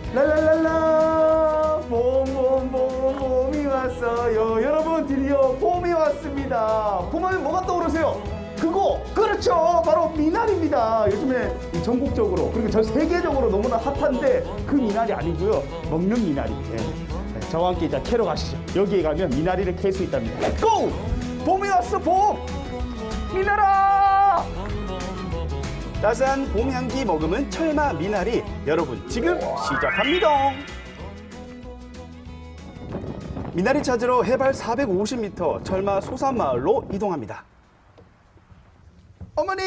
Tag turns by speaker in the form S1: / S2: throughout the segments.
S1: 랄랄랄라 봄이 왔어요. 여러분 드디어 봄이 왔습니다. 봄하면 뭐가 떠오르세요? 그거 그렇죠, 바로 미나리입니다. 요즘에 전국적으로 그리고 전 세계적으로 너무나 핫한데 그 미나리 아니고요, 먹는 미나리. 네. 저와 함께 이제 캐러 가시죠. 여기에 가면 미나리를 캘 수 있답니다. 고! 봄이 왔어, 봄! 미나라! 따스한 봄 향기 머금은 철마 미나리, 여러분 지금 시작합니다. 미나리 찾으러 해발 450m 철마 소산마을로 이동합니다. 어머니!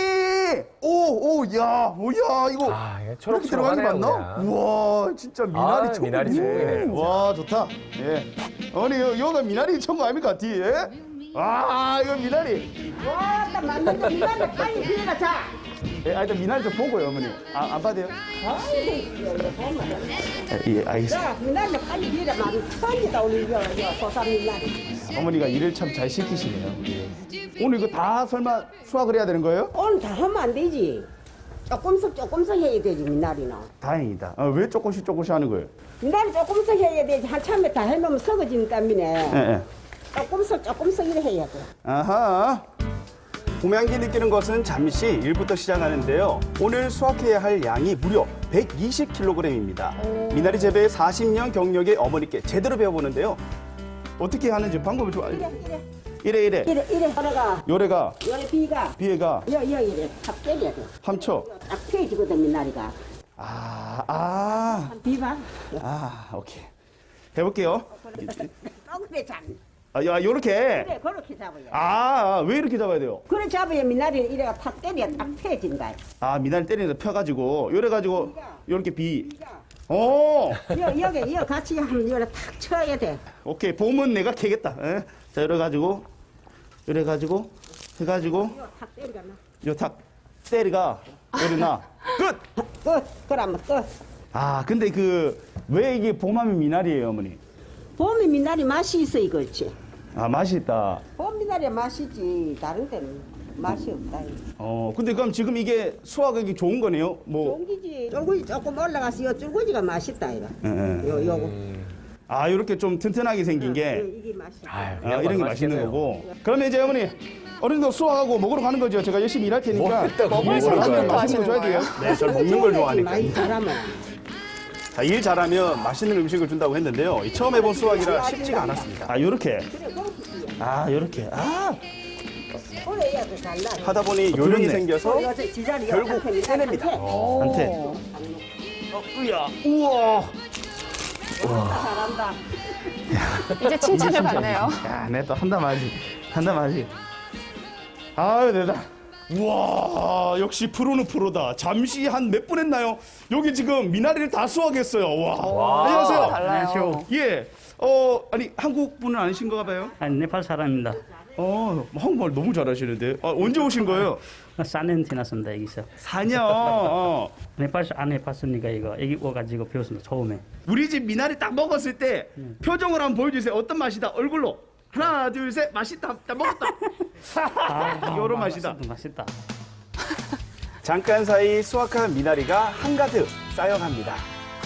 S1: 야, 이거
S2: 이게
S1: 이렇게 들어가는 거 맞나? 우와, 진짜 미나리 천국.
S2: 미나리 천국이네.
S1: 와, 좋다. 예. 어머니, 여기가 미나리 천국 아닙니까, 뒤에? 이거 미나리.
S3: 와, 딱 맞는데 미나리 빨리 비가 자.
S1: 예, 일단 미나리 좀 보고요, 어머니. 안 봐도 돼요? 예, 알겠습니다.
S3: 자, 미나리 빨리 비가 많이 빨리다 오늘 이거 소산 미나리.
S1: 어머니가 일을 참 잘 시키시네요. 예. 오늘 이거 다 설마 수확을 해야 되는 거예요?
S3: 오늘 다 하면 안 되지. 조금씩 해야 되지 미나리는.
S1: 다행이다. 왜 조금씩 하는 거예요?
S3: 미나리 조금씩 해야 되지. 한참에 다 해놓으면 썩어지는 땀이네.
S1: 예.
S3: 조금씩 이래 해야 돼.
S1: 아하. 봄 향기 느끼는 것은 잠시 일부터 시작하는데요. 오늘 수확해야 할 양이 무려 120kg입니다. 미나리 재배에 40년 경력의 어머니께 제대로 배워보는데요. 어떻게 하는지 방법을 좀 알려. 이래.
S3: 하나가
S1: 요래가
S3: 요래 비가
S1: 비애가
S3: 이래 탁 때려야 돼.
S1: 함초.
S3: 딱 펴지거든 미나리가. 비봐.
S1: 오케이. 해볼게요.
S3: 그래 잡.
S1: 요렇게.
S3: 그래 그렇게 잡아야.
S1: 왜 이렇게 잡아야 돼요?
S3: 그래 잡아야 미나리를 이래가 탁 때려 딱 펴진다.
S1: 미나리 때리면서 펴가지고 요래가지고 요렇게 비.
S3: 여기 같이 하면 요래 탁 쳐야 돼.
S1: 오케이. 봄은 내가 캐겠다. 예? 자, 요래가지고 해가지고
S3: 요 탁 때려가 나.
S1: 요 탁 때리가 요래나 끝.
S3: 그러면 끝.
S1: 근데 왜 이게 봄하면 미나리예요, 어머니?
S3: 봄이 미나리 맛이 있어 이거지.
S1: 맛이 있다.
S3: 봄 미나리 맛이지 다른 때는 맛이 없다.
S1: 근데 그럼 지금 이게 수확하기 좋은 거네요?
S3: 쫄기지. 쫄구지 조금 올라가서 요 쫄구지가 맛있다 이거.
S1: 예.
S3: 요거.
S1: 이렇게 좀 튼튼하게 생긴 게
S3: 이게 맛있어.
S1: 이런 게 맛있는 거고. 그러면 이제 어머니 어른도 수확하고 먹으러 가는 거죠. 제가 열심히 일할 테니까.
S2: 먹을
S1: 사람들
S2: 거
S1: 맛있는 거 줘야 돼요. 네, 저 먹는 걸 좋아하니까.
S3: 많이 잘하면.
S1: 자, 일 잘하면 맛있는 음식을 준다고 했는데요. 처음 해본 수확이라 쉽지가 않았습니다. 요렇게.
S3: 그래 그렇게.
S1: 요렇게.
S3: 그래 해야 돼 잘나.
S1: 하다 보니 요령이 그렇네. 생겨서
S3: 지자리
S1: 결국 해냅니다. 한테. 우와.
S3: 잘한다.
S4: 이제 칭찬을 받네요.
S1: 내가 또 한다 마지. 내다. 우와, 역시 프로는 프로다. 잠시 한 몇 분 했나요? 여기 지금 미나리를 다 수확했어요. 와. 안녕하세요.
S4: 달라요.
S1: 예. 아니 한국 분은 아니신가 봐요?
S5: 네팔 사람입니다.
S1: 한국말 너무 잘하시는데. 언제 오신 거예요?
S5: 4년 지났습니다, 여기서.
S1: 4년.
S5: 네팔 안 해봤으니까 이거 여기 와가지고 배웠습니다, 처음에.
S1: 우리 집 미나리 딱 먹었을 때 표정을 한번 보여주세요. 어떤 맛이다? 얼굴로. 하나, 둘, 셋. 맛있다. 딱 먹었다. 요런 맛이다.
S5: 맛있다.
S1: 잠깐 사이 수확한 미나리가 한가득 쌓여갑니다.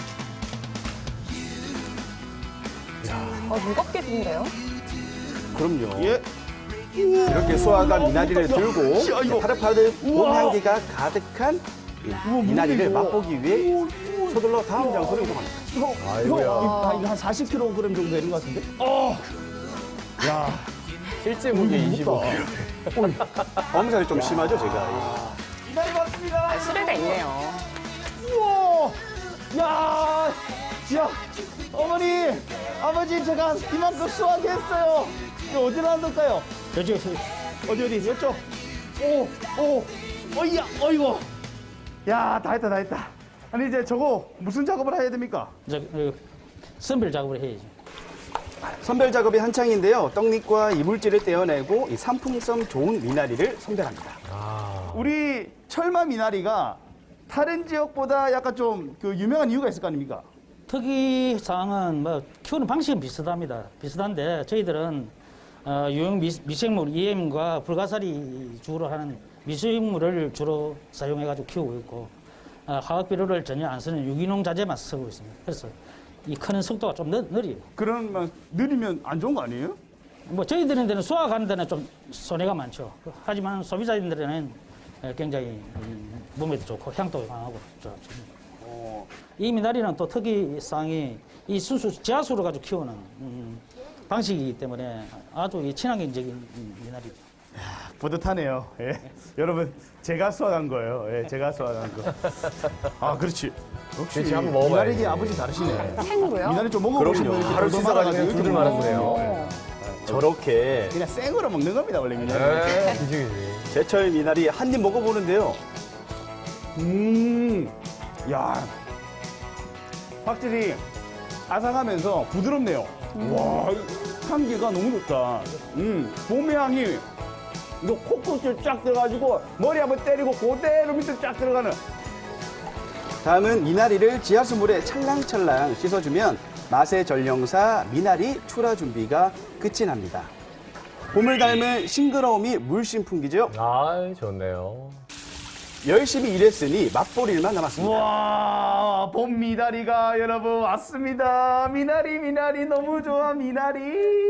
S4: 무겁게 든데요?
S1: 그럼요. 예. 이렇게 수확한 미나리를 들고 파릇파릇 봄 향기가 가득한 이 미나리를 맛보기 위해 서둘러 다음 장소로 이동합니다.
S2: 아이고야.
S1: 이거 한 40kg 정도 되는 것 같은데? 야,
S2: 실제 무게 25kg.
S1: 엄살이 좀 심하죠, 제가. 미나리 맞습니다.
S4: 수레가 있네요.
S1: 우와! 야! 어머니! 아버지, 제가 이만큼 수확했어요. 이거 어디로 한다까요?
S5: 저쪽,
S1: 어디? 이쪽? 어이구. 야, 다 했다. 아니, 이제 저거 무슨 작업을 해야 됩니까?
S5: 선별 작업을 해야지.
S1: 선별 작업이 한창인데요. 떡잎과 이물질을 떼어내고 이 상품성 좋은 미나리를 선별합니다. 우리 철마 미나리가 다른 지역보다 약간 좀 유명한 이유가 있을 거 아닙니까?
S5: 특이사항은 키우는 방식은 비슷한데 저희들은 유형 미생물 EM과 불가사리 주로 하는 미생물을 주로 사용해가지고 키우고 있고
S6: 화학 비료를 전혀 안 쓰는 유기농 자재만 쓰고 있습니다. 그래서 이 크는 속도가 좀 느려요.
S1: 그러면 느리면 안 좋은 거 아니에요?
S6: 뭐 저희들은 데는 수확하는 데는 좀 손해가 많죠. 하지만 소비자들에는 굉장히 몸에도 좋고 향도 강하고 좋습니다. 이 미나리는 또 특이사항이 이 지하수로 가지고 키우는 방식이기 때문에 아주 이 친환경적인 미나리입니다.
S1: 뿌듯하네요. 예. 여러분 제가 수확한 거예요. 예, 제가 수확한 거. 아 그렇지. 역시
S2: 그렇지, 한번 먹어봐야지.
S1: 미나리 아버지 다르시네.
S4: 생으로요?
S1: 미나리 좀 먹어보시면
S2: 그럼요.
S1: 이렇게
S2: 하루
S1: 돌돌
S2: 씻어가지고
S1: 말아가지고
S2: 그냥
S1: 이렇게
S2: 두들 말아주네요.
S7: 저렇게
S1: 그냥 생으로 먹는 겁니다 원래 미나리.
S2: 네, 그지.
S7: 제철 미나리 한 입 먹어보는데요.
S1: 야, 확실히 아삭하면서 부드럽네요. 와, 이 향기가 너무 좋다. 봄의 향이 이거 코끝을 쫙 들어가지고 머리 한번 때리고 그대로 밑에 쫙 들어가는.
S7: 다음은 미나리를 지하수물에 찰랑찰랑 씻어주면 맛의 전령사 미나리 출하 준비가 끝이 납니다. 봄을 닮은 싱그러움이 물씬 풍기죠.
S2: 아, 좋네요.
S7: 열심히 일했으니 맛볼 일만 남았습니다.
S1: 와, 봄 미나리가 여러분 왔습니다. 미나리, 미나리 너무 좋아, 미나리.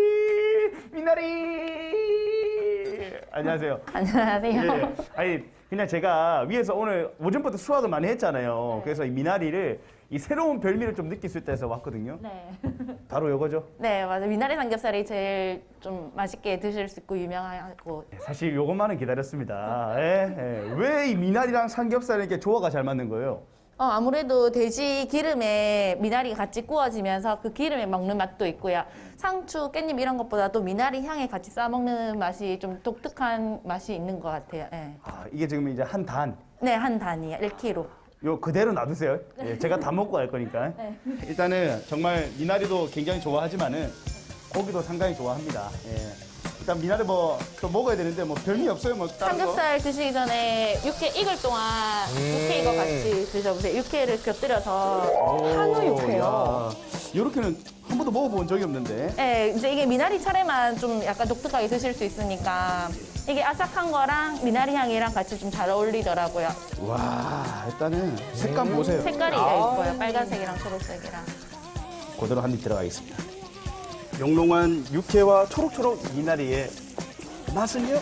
S1: 미나리. 안녕하세요.
S4: 안녕하세요.
S1: 예. 아니, 그냥 제가 위에서 오늘 오전부터 수확을 많이 했잖아요. 그래서 이 미나리를 이 새로운 별미를 좀 느낄 수 있다 해서 왔거든요.
S8: 네.
S1: 바로 이거죠.
S8: 네, 맞아요. 미나리 삼겹살이 제일 좀 맛있게 드실 수 있고 유명하고.
S1: 사실 요것만은 기다렸습니다. 왜 이 미나리랑 삼겹살이 이렇게 조화가 잘 맞는 거예요?
S8: 아무래도 돼지 기름에 미나리가 같이 구워지면서 그 기름에 먹는 맛도 있고요. 상추, 깻잎 이런 것보다도 미나리 향에 같이 싸 먹는 맛이 좀 독특한 맛이 있는 것 같아요. 네,
S1: 아, 이게 지금 이제 한 단.
S8: 네, 한 단이에요. 1kg.
S1: 요 그대로 놔두세요. 예, 제가 다 먹고 갈 거니까. 일단은 정말 미나리도 굉장히 좋아하지만은 고기도 상당히 좋아합니다. 예. 일단 미나리 뭐 또 먹어야 되는데 뭐 별미 없어요. 뭐 다른 거.
S8: 삼겹살 드시기 전에 육회 익을 동안 육회 이거 같이 드셔보세요. 육회를 곁들여서
S4: 한우 육회요.
S1: 이렇게는 한 번도 먹어본 적이 없는데.
S8: 네, 이제 이게 미나리 차례만 좀 약간 독특하게 드실 수 있으니까 이게 아삭한 거랑 미나리 향이랑 같이 좀 잘 어울리더라고요.
S1: 와, 일단은 색감 보세요.
S8: 색깔이 예뻐요. 빨간색이랑 초록색이랑.
S1: 그대로 한 입 들어가겠습니다.
S7: 영롱한 육회와 초록초록 미나리의 맛은요?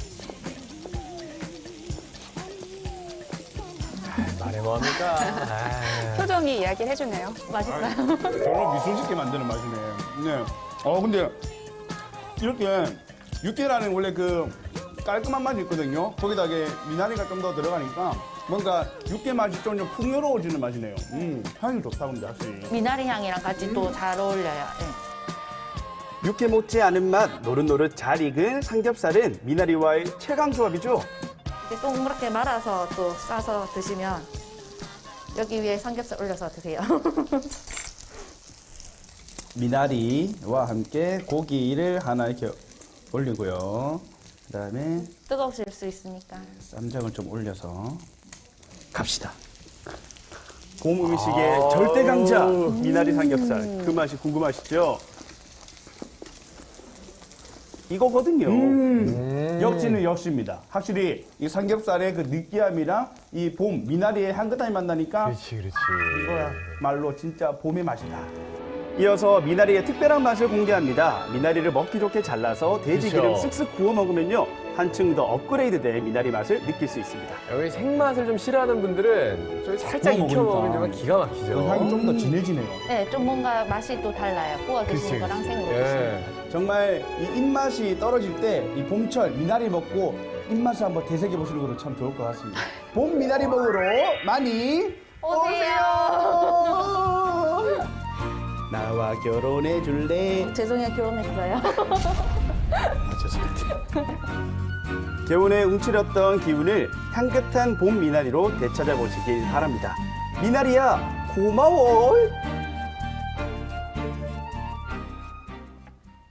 S2: 말해 뭐합니까? 아,
S4: 표정이 이야기를 해주네요.
S8: 맛있어요.
S1: 저런 미소 짓게 만드는 맛이네. 네. 근데 이렇게 육개라는 원래 그 깔끔한 맛이 있거든요. 거기다 이게 미나리가 좀 더 들어가니까 뭔가 육개 맛이 좀 풍요로워지는 맛이네요. 향이 좋다 근데 확실히.
S8: 미나리 향이랑 같이 또 잘 어울려요. 네.
S7: 육회 못지 않은 맛, 노릇노릇 잘 익은 삼겹살은 미나리와의 최강 조합이죠.
S8: 이렇게 동그랗게 말아서 또 싸서 드시면 여기 위에 삼겹살 올려서 드세요.
S1: 미나리와 함께 고기를 하나 이렇게 올리고요. 그다음에
S8: 뜨거우실 수 있으니까.
S1: 쌈장을 좀 올려서 갑시다.
S7: 봄 음식의 절대 강자 미나리 삼겹살. 그 맛이 궁금하시죠? 이거거든요.
S1: 역시는 역시입니다. 확실히 이 삼겹살의 그 느끼함이랑 이 봄 미나리의 향긋함이 만나니까
S2: 그렇지.
S1: 이거야 말로 진짜 봄의 맛이다.
S7: 이어서 미나리의 특별한 맛을 공개합니다. 미나리를 먹기 좋게 잘라서 돼지기름
S2: 그쵸.
S7: 쓱쓱 구워 먹으면요. 한층 더 업그레이드된 미나리 맛을 느낄 수 있습니다.
S2: 여기 생맛을 좀 싫어하는 분들은 좀 살짝
S1: 구워
S2: 익혀 먹으면
S1: 먹으니까.
S2: 정말 기가 막히죠.
S1: 그 향이 좀 더 진해지네요.
S8: 네, 좀 뭔가 맛이 또 달라요. 구워 드시는
S2: 그치,
S8: 거랑
S2: 그치.
S8: 생으로 드시는 거.
S2: 예.
S1: 정말 이 입맛이 떨어질 때 이 봄철 미나리 먹고 입맛을 한번 되새겨 보시는 것도 참 좋을 것 같습니다. 봄 미나리 먹으러 많이 오세요. 나와 결혼해 줄래?
S8: 죄송해요, 결혼했어요.
S7: 개운에 움츠렸던 기운을 향긋한 봄 미나리로 되찾아보시길 바랍니다. 미나리야 고마워.